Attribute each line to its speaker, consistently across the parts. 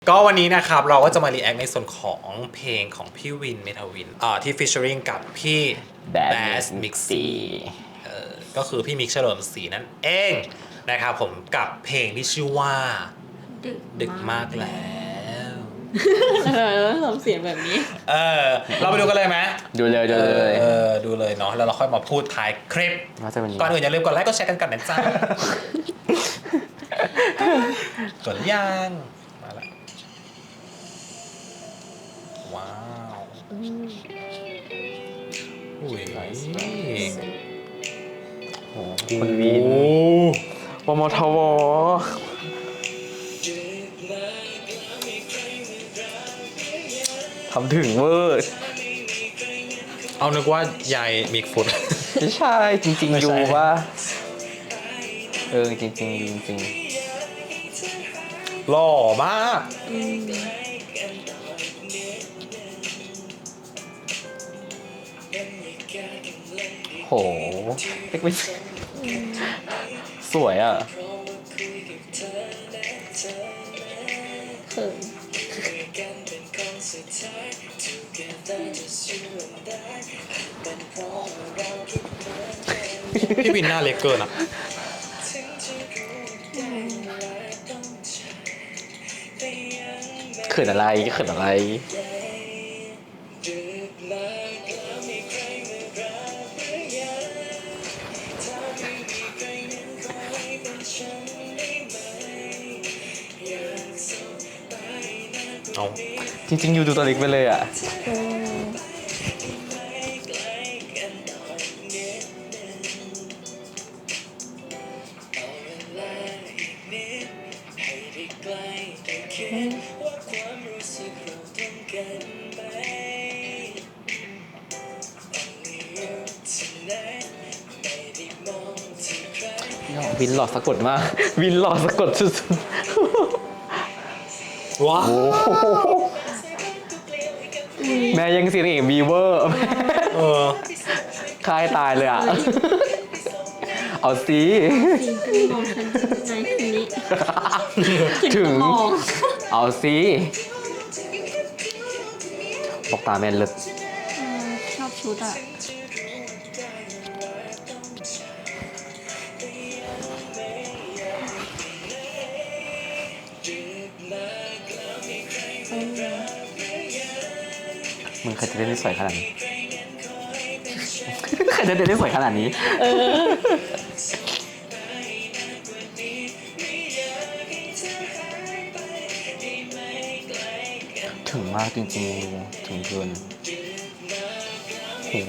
Speaker 1: ก็วันนี้นะครับเราก็จะมารีแอคในส่วนของเพลงของพี่วินเมทาวินที่ฟีเจอริงกับพี่แบสมิกซี่ก็คือพี่มิกเฉลิมศรีนั่นเองนะครับผมกับเพลงที่ชื่อว่าดึกมากแล้ว
Speaker 2: ทำเสียงแบบนี้
Speaker 1: เราไปดูกันเลยไหม
Speaker 3: ดูเลย
Speaker 1: ดูเลยเนาะแล้วเราค่อยมาพูดท้ายคลิปก่อนอื่นอย่าลืมกดไลค์กดแชร์กันนะจ๊ะกดยังมาละว้าวอุ้ย
Speaker 3: โอ้คุณวินวมทวทำถึงเวอร์
Speaker 1: เอานึกว่ายายมิกฟุต
Speaker 3: ไม่ใช่จริงๆอยู่ว่าจริง
Speaker 1: หล่อมาก
Speaker 3: โหเล็กไม่สวยอ่ะ
Speaker 2: เขิน
Speaker 1: พี่วินหน้าเล็กเกินอ่ะ
Speaker 3: เขินอะไร
Speaker 1: เอา
Speaker 3: จริงๆอยู่ดูตัวเล็กไปเลยอ่ะวินหล่อสะกดมากวินหล่อสะกดสุด
Speaker 1: ๆว้าว
Speaker 3: แม่ยังเสียงเอกบีเวอร์คลายตายเลยอ่ะเอาสิ
Speaker 2: มองฉันไงคืนนี้
Speaker 3: ถึงเอาสิบอกตาแม่นเลิศ
Speaker 2: ชอบชุดอ่ะ
Speaker 3: มึงเคยจะเล่นได้สวยขนาดนี้ใครจะเล่นได้สวยขนาดนี้ถึงมากจริงๆถึงเกินโห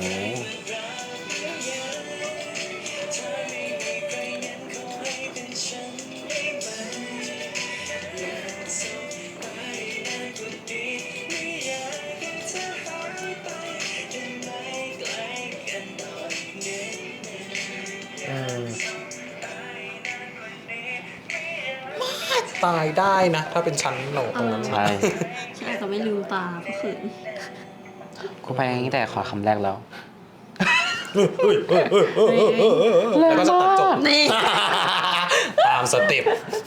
Speaker 1: ตายได้นะถ้าเป็นชั้นโหนตรงนั้น
Speaker 3: ใช่
Speaker 2: ฉันอาจจะไม่ลืมตาเพราะเขิน
Speaker 3: กูไปตั้งแต่ขอคำแรกแล้ว
Speaker 1: แล้วก็จะตัดจบ
Speaker 2: นี่
Speaker 1: ตามสเต็ป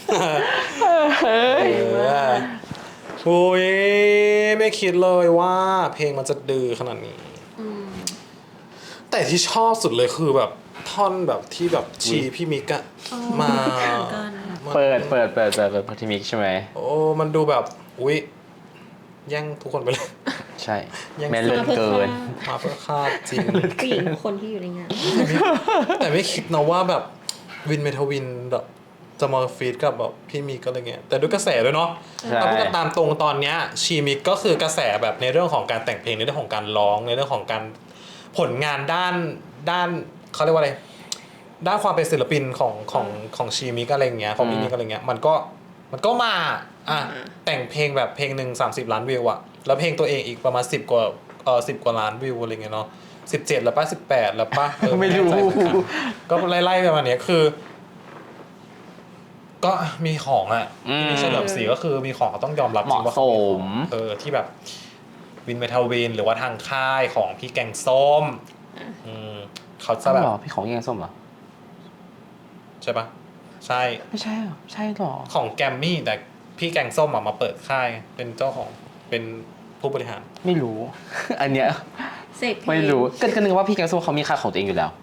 Speaker 1: โอ้ยไม่คิดเลยว่าเพลงมันจะดื้อขนาดนี้แต่ที่ชอบสุดเลยคือแบบท่อนแบบที่แบบชีพี่มิกอะมา
Speaker 3: เปิดพอทิมิกใช่ไหม
Speaker 1: โอ้มันดูแบบอุ๊ยแย่งทุกคนไปเลย
Speaker 3: ใช่แม่เลิศเกิน
Speaker 1: มาเพื่อฆ่าจริง
Speaker 2: ผู้หญิงคนที่อยู่ในงาน
Speaker 1: แต่ไม่คิดนะว่าแบบวินเมทาวินแบบจะมาฟีดกับแบบพี่มิกก็อะไรเงี้ยแต่ด้วยกระแสด้วยเนาะถ้าพูดกันตามตรงตอนเนี้ยชีมิกก็คือกระแสแบบในเรื่องของการแต่งเพลงในเรื่องของการร้องในเรื่องของการผลงานด้านเขาเรียกว่าอะไรด้านความเป็นศิลปินของชีมิกอะไรเงี้ยของพี่มิกอะไรเงี้ยมันก็มาแต่งเพลงแบบเพลงหนึ่ง30 ล้านวิวอะแล้วเพลงตัวเองอีกประมาณ10 กว่าล้านวิวอะไรเงี้ยเนาะ17แล้วป่ะ18แล้วป่ะ
Speaker 3: ไม่รู้
Speaker 1: ก็ไล่ๆประมาณนี้คือก็มีของอ่ะที่เฉลิมศรีก็คือมีของต้องยอมรับจริงว่าที่แบบวินเมทัลวินหรือว่าทางค่ายของพี่แกงส้มเขาจะแบบ
Speaker 3: พี่ของแกงส้มเหรอ
Speaker 1: ใช่ปะ ใช่
Speaker 3: ไม่ใช่หรอใช่หรอ
Speaker 1: ของแกมมี่แต่พี่แกงส้มมาเปิดค่ายเป็นเจ้าของเป็นผู้บริหาร
Speaker 3: ไม่รู้ อันเนี้ย
Speaker 2: เสพเพลง
Speaker 3: ไม่รู้ก็นึกว่าพี่แกงส้มเขามีค่ายของตัวเองอยู่แล้ว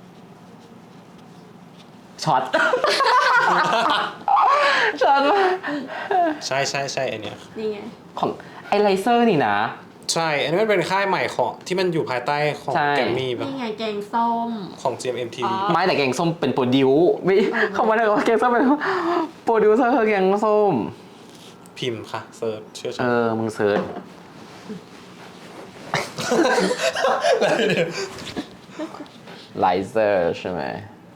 Speaker 3: ช็อต ช็อตมาก
Speaker 1: ใช่ไอเนี้ย
Speaker 2: นี่ไง
Speaker 3: ของไอไลเซอร์นี่นะ
Speaker 1: ใช่อันนี้มันเป็นค่ายใหม่ของที่มันอยู่ภายใต้ของ
Speaker 3: ใช่
Speaker 1: แกรมมี่ปะ
Speaker 2: นี่ไงแกงส้ม
Speaker 1: ของ GMMTV
Speaker 2: อ๋อ
Speaker 3: ไม่แต่แกงส้มเป็นโปรดิวไม่เขามาเลยว่าแกงส้มเป็นโปรดิวเซอร์แกงส้ม
Speaker 1: พิมพ์ค่ะเซิร์ชเชื่อฉัน
Speaker 3: มึงเซิร์ชไลเซอร์ใช่ไหม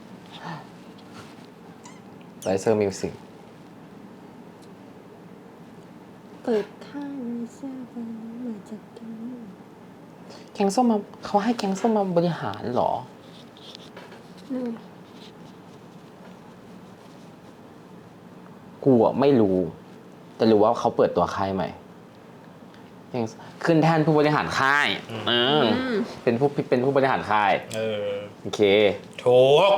Speaker 3: ไลเซอร์มิวสิก
Speaker 2: เปิดข้างเสื้อฟ้ามาจากกัน
Speaker 3: แกงส้มมาเขาให้แกงส้มมาบริหารเหรอ
Speaker 2: นู่น
Speaker 3: กูอะไม่รู้ แต่รู้ว่าเขาเปิดตัวค่ายใหม่ขึ้นแทนผู้บริหารค่ายเป็นผู้บริหารค่าย โอเค
Speaker 1: ถูก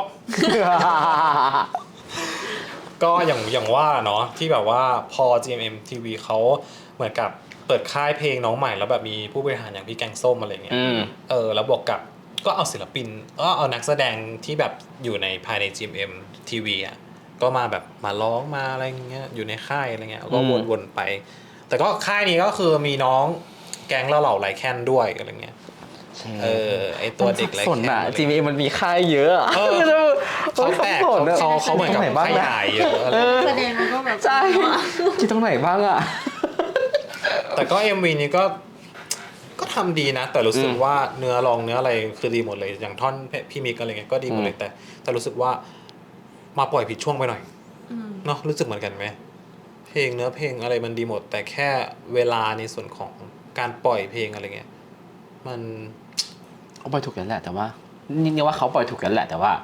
Speaker 1: ก็อย่างว่าเนาะที่แบบว่าพอ GMMTV เขาเหมือนกับเปิดค่ายเพลงน้องใหม่แล้วแบบมีผู้บริหารอย่างพี่แกงส้มอะไรเงี้ยแล้วบวกกับก็เอาศิลปินเอานักแสดงที่แบบอยู่ในภายใน GMMTV อ่ะก็มาแบบมาร้องมาอะไรเงี้ยอยู่ในค่ายอะไรเงี้ยก็วนๆไป แต่ก็ค่ายนี้ก็คือมีน้องแก๊งเหล่าไรแคนด้วยอะไรเงี้ยไอตัวเด็กไร
Speaker 3: สน
Speaker 1: แคน
Speaker 3: อ่ะ GMM มันมีค่ายเยอะอะ
Speaker 1: เขาแตกเขาเหมือนกับขยายเยอะอะไร
Speaker 2: แสดงมันก็แบบ
Speaker 3: ใช่คิดตรงไหนบ้างอ่ะ
Speaker 1: แต่ก็ MV นี้ก็ทำดีนะ แต่รู้สึกว่าเนื้อร้องเนื้ออะไรคือดีหมดเลยอย่างท่อนพี่มิกอะไรเงี้ยก็ดีหมดเลยแต่รู้สึกว่ามาปล่อยผิดช่วงไปหน่อยเนาะรู้สึกเหมือนกันไหมเพลงเนื้อเพลงอะไรมันดีหมด แต่แค่เวลาในส่วนของการปล่อยเพลงอะไรเงี้ยมัน
Speaker 3: เขาปล่อยถูกแล้วแหละแต่ว่านี่ว่าเขาปล่อยถูกแล้วแหละแต่ว่า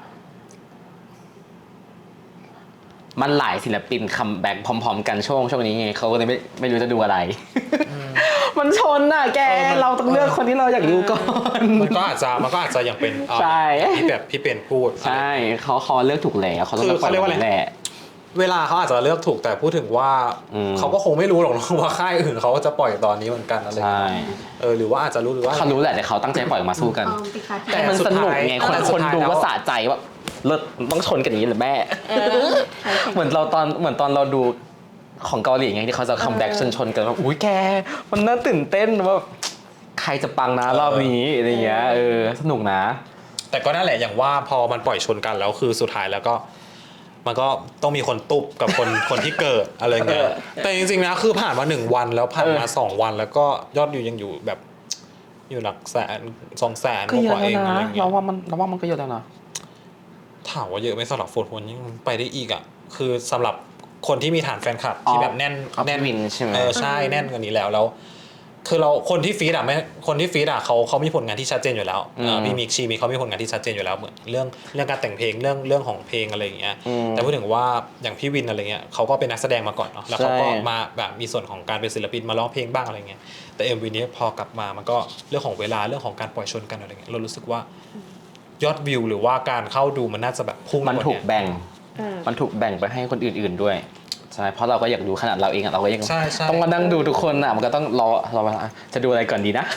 Speaker 3: มันหลายศิลปินคัมแบ็กพร้อมๆกันช่วงนี้ไงเขาก็เลยไม่รู้จะดูอะไร มันชนน่ะแกเราต้องเลือกคนที่เราอยากดูก่อน
Speaker 1: มันก็อาจจะอย่างเป็น
Speaker 3: ใช่
Speaker 1: ที่แบบพี่เป็นพูด
Speaker 3: ใช่เขาเลือกถูกแล้วเขาต้องเลือกคนนี้แหละ
Speaker 1: เวลาเขาอาจจะเลือกถูกแต่พูดถึงว่าเขาก็คงไม่รู้หรอกว่าค่ายอื่นเขาจะปล่อยตอนนี้เหมือนกันอะไร
Speaker 3: ใช่
Speaker 1: หรือว่าอาจจะรู้หรือว่า
Speaker 3: เขารู้แหละแต่เขาตั้งใจปล่อยออกมาสู้กัน
Speaker 1: แต่
Speaker 3: แต่มันสนุกไงคนดูก็สะใจว่าเลิศต้องชนกันอย่างนี้เหรือแม่เหมือนตอนเราดูของเกาหลีไงที่เขาจะคัมแบ็กชนกันว่าอุ้ยแกมันน่าตื่นเต้นว่าใครจะปังนะรอบนี้อะไรเงี้ยสนุกนะ
Speaker 1: แต่ก็นั่นแหละอย่างว่าพอมันปล่อยชนกันแล้วคือสุดท้ายแล้วก็มันก็ต้องมีคนตุบกับคนที่เกิดอะไรเงี้ยแต่จริงๆนะคือผ่านมา1 วันแล้วผ่านมา2 วันแล้วก็ยอดวิวยังอยู่แบบอยู่หลักแสน200,000
Speaker 3: ก็เย
Speaker 1: ก
Speaker 3: อะ
Speaker 1: ว่า
Speaker 3: แล้
Speaker 1: เอ
Speaker 3: ว
Speaker 1: ง
Speaker 3: นะ
Speaker 1: อะไรเงี้
Speaker 3: เรา
Speaker 1: ย
Speaker 3: ว่ามันก็เยอะแล้วนะ
Speaker 1: ถามว่าเยอะไหมสำหรับโฟร์คนยังไปได้อีกอ่ะคือสำหรับคนที่มีฐานแฟนคลับที่แบบแน่น
Speaker 3: วินใช่ไหม
Speaker 1: ใช่แน่นกว่านี้แล้วคือเราคนที่ฟีดอ่ะเขามีผลงานที่ชัดเจนอยู่แล้วพี่มิกชีมีเขามีผลงานที่ชัดเจนอยู่แล้วเหมือนเรื่องการแต่งเพลงเรื่องของเพลงอะไรอย่างเงี้ยแต่พูดถึงว่าอย่างพี่วินอะไรเงี้ยเขาก็เป็นนักแสดงมาก่อนเนาะแล้วเขาก็มาแบบมีส่วนของการเป็นศิลปินมาร้องเพลงบ้างอะไรเงี้ยแต่ MV นี้พอกลับมามันก็เรื่องของเวลาเรื่องของการปล่อยชนกันอะไรเงี้ยเรารู้สึกว่ายอดวิวหรือว่าการเข้าดูมันน่าจะแบบพุ่ง
Speaker 3: มันถูกแบ่งไปให้คนอื่นๆด้วยใช่เพราะเราก็อยากดูขนาดเราเองเราก็ยังต้องมานั่งดูทุกคนอ่ะมันก็ต้องรอจะดูอะไรก่อนดีนะ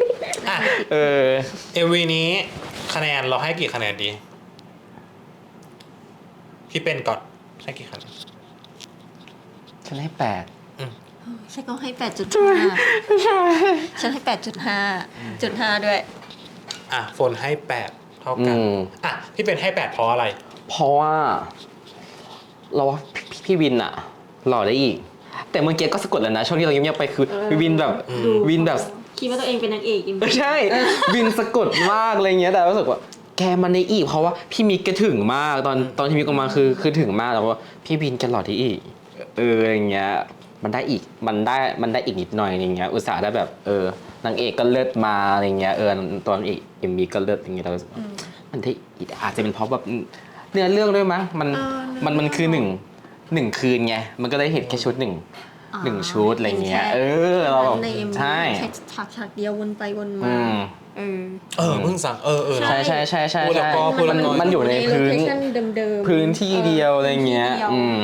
Speaker 1: MV นี้คะแนนเราให้กี่คะแนนดีพี่เป็นก่อนให้กี่คะแนน
Speaker 3: ฉันให้8
Speaker 2: ฉันก็ให้ 8.5 ฉันให้ 8.5 ด้วย
Speaker 1: โฟนให้8เท่ากันพี่เป็นให้8เพราะอะไร
Speaker 3: เพราะว่าเราว่าพี่วินอะหล่อได้อีกแต่เมื่อกี้ก็สะกดแล้วนะช่วงที่เราเงียบๆไปคือวินแบบ
Speaker 2: คิดว่าตัวเองเป็นนางเอก
Speaker 3: ใช่วินสะกดมากอะไรเงี้ยแต่รู้สึกว่าแกมันได้อีกเพราะว่าพี่มิกแกถึงมากตอนที่มิกออกมาคือถึงมากแต่ว่าพี่วินแกหล่อได้อีกอะไรเงี้ยมันได้อีกอีกนิดหน่อยอะไรเงี้ยอุตส่าห์ได้แบบนางเอกก็เลิศมาอะไรเงี้ยตอนเอกMVก็เลิศอย่างเงี้ยเรามันได้อาจจะเป็นเพราะแบบเนื้อเรื่องด้วยมั้งมันคือหนึ่งคืนไงมันก็ได้เห็นแค่ชุดหนึ่งชุดอะไรเงี้ยเราแบบใช่
Speaker 2: ฉากเดียววนไปวนมา
Speaker 1: เพิ่งสั่ง
Speaker 3: ใช่
Speaker 1: พูดแล้วก็
Speaker 3: มันอยู่ในพื้นที่เดียวอะไรเงี้ย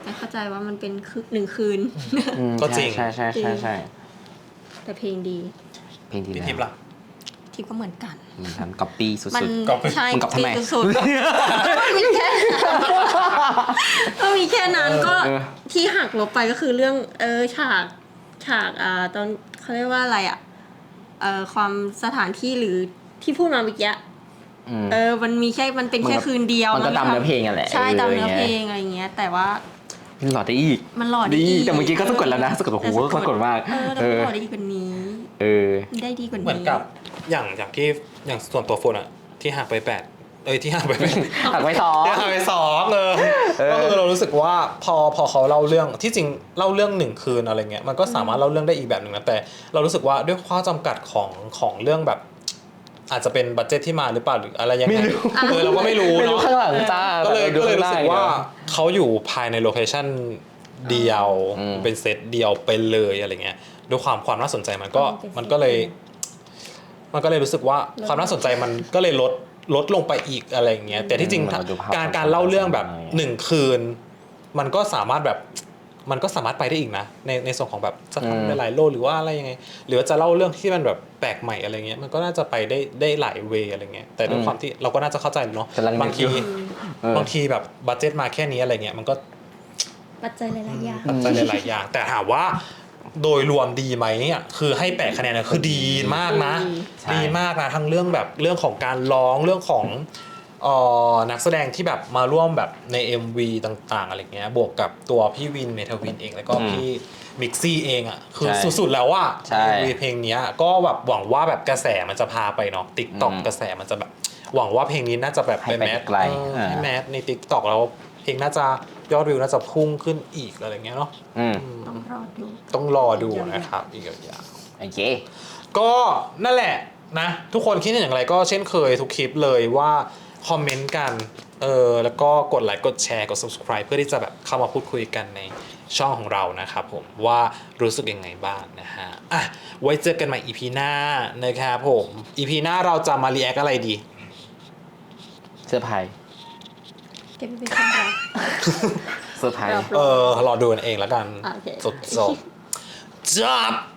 Speaker 2: แต่เข้าใจว่ามันเป็น1 คืน
Speaker 1: ก็จริง
Speaker 3: ใช่ใช่ใช่ใช่
Speaker 2: แต่เพลงดี
Speaker 3: เพลงที่
Speaker 1: พี่
Speaker 3: แล้ว
Speaker 1: ทิพย์ล่ะ
Speaker 2: ทิปก็เหมือนกัน
Speaker 3: เหมือนกันก๊อปปี้สุด
Speaker 2: มัน
Speaker 1: ก๊อปปี้
Speaker 2: ใช่
Speaker 3: มึงก๊อปทำไม
Speaker 2: สุดๆมันมีแค่ก็มีแค่นั้นก็ที่หักลบไปก็คือเรื่องฉากตอนเขาเรียกว่าอะไรความสถานที่หรือที่พูดมาเมื่อกี้ มันมีแค่มันเป็นแค่คืนเดียว
Speaker 3: มันก็ตามเนื้อเพลงอ่ะแหละ
Speaker 2: ใช่ตามเนื้อเพลงอะไรเงี้ยแต่ว่า
Speaker 3: มันหล่อได้อีก
Speaker 2: มันหล่อได้อีก
Speaker 3: แต่เมื่อกี้ก็สะกดแล้วนะสะกดโอ้โหสะกดมาก
Speaker 2: แล้วก็หล่อได้ดีกว่านี้ ได้ดีกว่านี้
Speaker 1: เหมือนกับอย่างที่อย่างส่วนตัวโฟนอะที่หักไปที่หักไป8
Speaker 3: หักไว้สอง
Speaker 1: ที่หักไป2ก็คือเรารู้สึกว่าพอเขาเล่าเรื่องที่จริงเล่าเรื่อง1 คืนอะไรเงี้ยมันก็สามารถเล่าเรื่องได้อีกแบบหนึ่งนะแต่เรารู้สึกว่าด้วยข้อจำกัดของเรื่องแบบ อาจจะเป็นบัดเจ็ตที่มาหรือเปล่าหรืออะไรยังไงเราก็ไม่รู้
Speaker 3: ไม่รู้
Speaker 1: เนาะ
Speaker 3: ข้างหลังจ้า
Speaker 1: ก็เลยรู้สึกว่า
Speaker 3: ดูข้งหน้
Speaker 1: เขาอยู่ภายในโลเคชั่นเดียว เป็นเซตเดียวไปเลยอะไรเงี้ยด้วยความน่าสนใจมันก็เลยรู้สึกว่าความน่าสนใจมันก็เลยลดลงไปอีกอะไรเงี้ยแต่ที่จริงการเล่าเรื่องแบบ1 คืน มันก็สามารถไปได้อีกนะในส่วนของแบบจะทำหลายๆโลกหรือว่าอะไรยังไงหรือว่าจะเล่าเรื่องที่มันแบบแปลกใหม่อะไรเงี้ยมันก็น่าจะไปได้หลายเวย์อะไรเงี้ยแต่ด้วยความที่เราก็น่าจะเข้าใจเนาะบางทีแบบบัดเจ็ตมาแค่นี้อะไรเงี้ยมันก็
Speaker 2: ปัจจัยหลายๆอย่าง
Speaker 1: ปัจจัยหลายๆอย่างแต่ถามว่าโดยรวมดีไหมเนี่ยคือให้8 คะแนนเนี่ยคือดีมากนะดีมากนะทั้งเรื่องแบบเรื่องของการร้องเรื่องของนักแสดงที่แบบมาร่วมแบบใน MV ต่างๆอะไรเงี้ยบวกกับตัวพี่วินเมทวินเองแล้วก็พี่มิกซี่เองอ่ะคือสุดๆแล้วว่า MV เพลงเนี้ยก็แบบหวังว่าแบบกระแสมันจะพาไปเนาะ TikTok กระแสมันจะแบบหวังว่าเพลงนี้น่าจะแบบเป็นแมสให้แมสใน TikTok แล้วเพลงน่าจะยอดวิวน่าจะพุ่งขึ้นอีกอะไรเงี้ยเนาะ ต้องรอดูนะครับอีกอย่าง
Speaker 3: โอเค
Speaker 1: ก็นั่นแหละนะทุกคนคิดเห็นอย่างไรก็เช่นเคยทุกคลิปเลยว่าคอมเมนต์กันแล้วก็กดไลค์กดแชร์กด subscribe เพื่อที่จะแบบเข้ามาพูดคุยกันในช่องของเรานะครับผมว่ารู้สึกยังไงบ้างนะฮะอ่ะไว้เจอกันใหม่ EP หน้านะครับผม EP หน้าเราจะมารีแอคอะไรดี
Speaker 3: เซอร์ไพรส์
Speaker 2: เก็บไปเป็นความรัก
Speaker 3: เซอร์ไพรส์
Speaker 1: รอดูกันเองแล้วกัน
Speaker 2: โอเค
Speaker 1: สดๆจับ